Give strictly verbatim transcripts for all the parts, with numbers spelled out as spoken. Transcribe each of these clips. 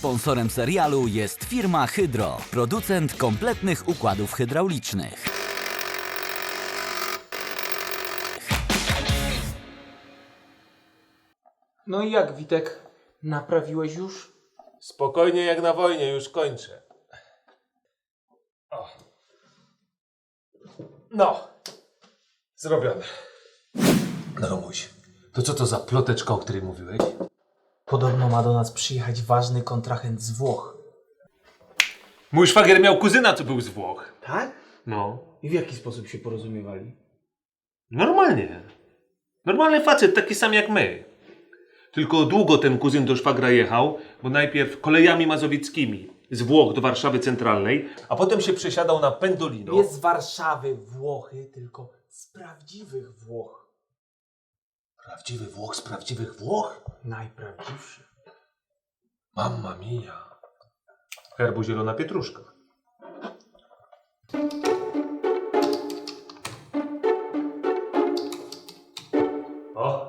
Sponsorem serialu jest firma Hydro, producent kompletnych układów hydraulicznych. No i jak, Witek? Naprawiłeś już? Spokojnie jak na wojnie, już kończę. O. No, zrobione. No Romuś, to co to za ploteczka, o której mówiłeś? Podobno ma do nas przyjechać ważny kontrahent z Włoch. Mój szwagier miał kuzyna, co był z Włoch. Tak? No. I w jaki sposób się porozumiewali? Normalnie. Normalny facet, taki sam jak my. Tylko długo ten kuzyn do szwagra jechał, bo najpierw kolejami mazowieckimi z Włoch do Warszawy Centralnej, a potem się przesiadał na Pendolino. Nie z Warszawy Włochy, tylko z prawdziwych Włoch. Prawdziwy Włoch z prawdziwych Włoch? Najprawdziwszy. Mamma mia. Herbu zielona pietruszka. O!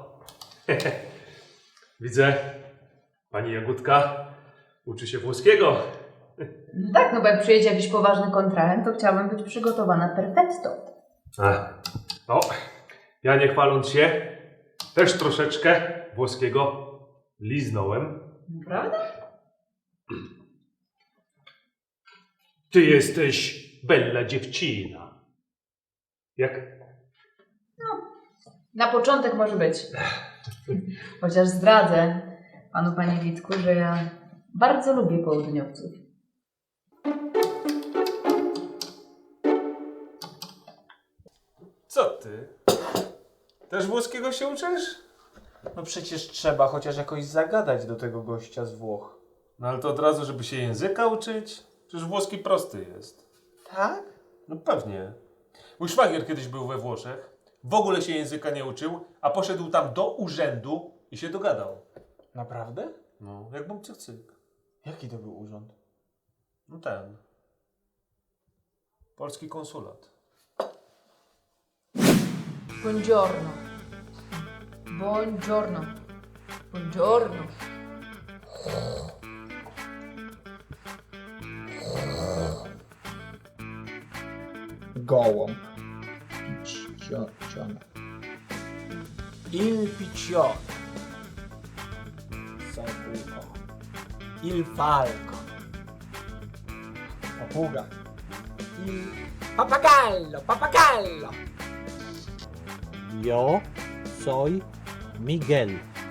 Widzę, pani Jagódka uczy się włoskiego. Tak, no bo jak przyjedzie jakiś poważny kontrahent, to chciałabym być przygotowana perfetto. A, no, ja nie chwaląc się, też troszeczkę włoskiego liznąłem. Prawda? Ty jesteś bella dziewczyna. Jak? Na początek może być. Chociaż zdradzę panu, panie Witku, że ja bardzo lubię południowców. Co ty? Też włoskiego się uczysz? No przecież trzeba chociaż jakoś zagadać do tego gościa z Włoch. No ale to od razu, żeby się języka uczyć? Przecież włoski prosty jest. Tak? No pewnie. Mój szwagier kiedyś był we Włoszech, w ogóle się języka nie uczył, a poszedł tam do urzędu i się dogadał. Naprawdę? No, jak bym cyk cyk. Jaki to był urząd? No ten. Polski konsulat. Buongiorno. Buongiorno. Buongiorno. Gołąb. Piccione. Il piccione. Sabuco. Il falco. Papuga. Il papagallo, papagallo. Yo soy Miguel.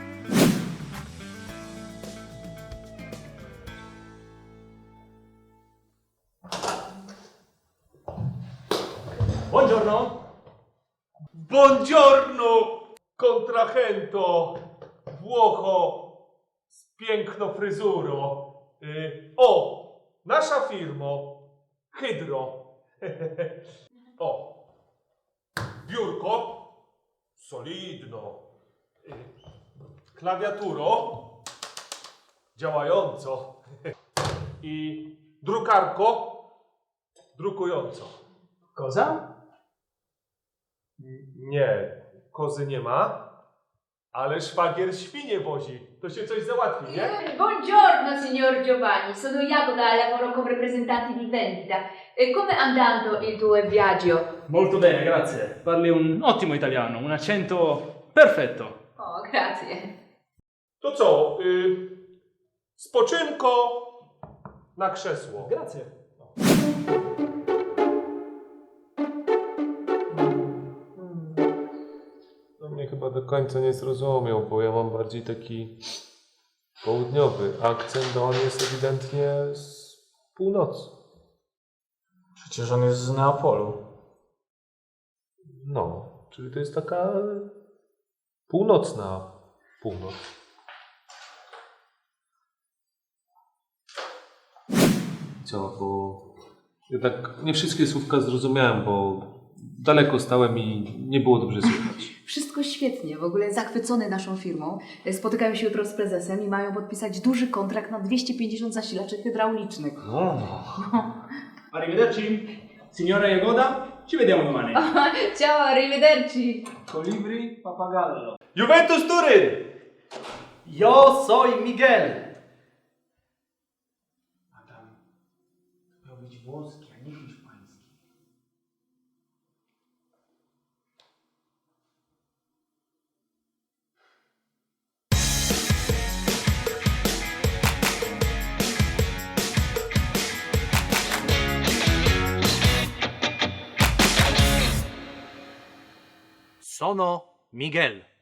Buongiorno! Buongiorno, contrahento, Włocho z piękną fryzurą. Y, o, nasza firmo, Hydro. O, biurko, solidno. Y, klawiaturo, działająco. I drukarko, drukująco. Koza? Nie, kozy nie ma, ale szwagier świnie wozi. To się coś załatwi, nie? Buongiorno, signor Giovanni. Sono Jagoda e lavoro come representante di vendita. E come è andando il tuo viaggio? Molto bene, grazie. Parli un ottimo italiano, un accento perfetto. Oh, grazie. To co? Y, spoczynko na krzesło. Grazie. No mnie chyba do końca nie zrozumiał, bo ja mam bardziej taki południowy akcent, a on jest ewidentnie z północy. Przecież on jest z Neapolu. No, czyli to jest taka północna północ. Co, bo jednak nie wszystkie słówka zrozumiałem, bo daleko stałem i nie było dobrze słychać. Wszystko świetnie, w ogóle zachwycony naszą firmą. Spotykają się jutro z prezesem i mają podpisać duży kontrakt na dwieście pięćdziesiąt zasilaczy hydraulicznych. No. Arrivederci, signora Jagoda, ci vediamo domani. Ciao, arrivederci! Colibri, papagallo. Juventus Turyn! Yo soy Miguel. być włoski, a nie hiszpański. Sono Miguel.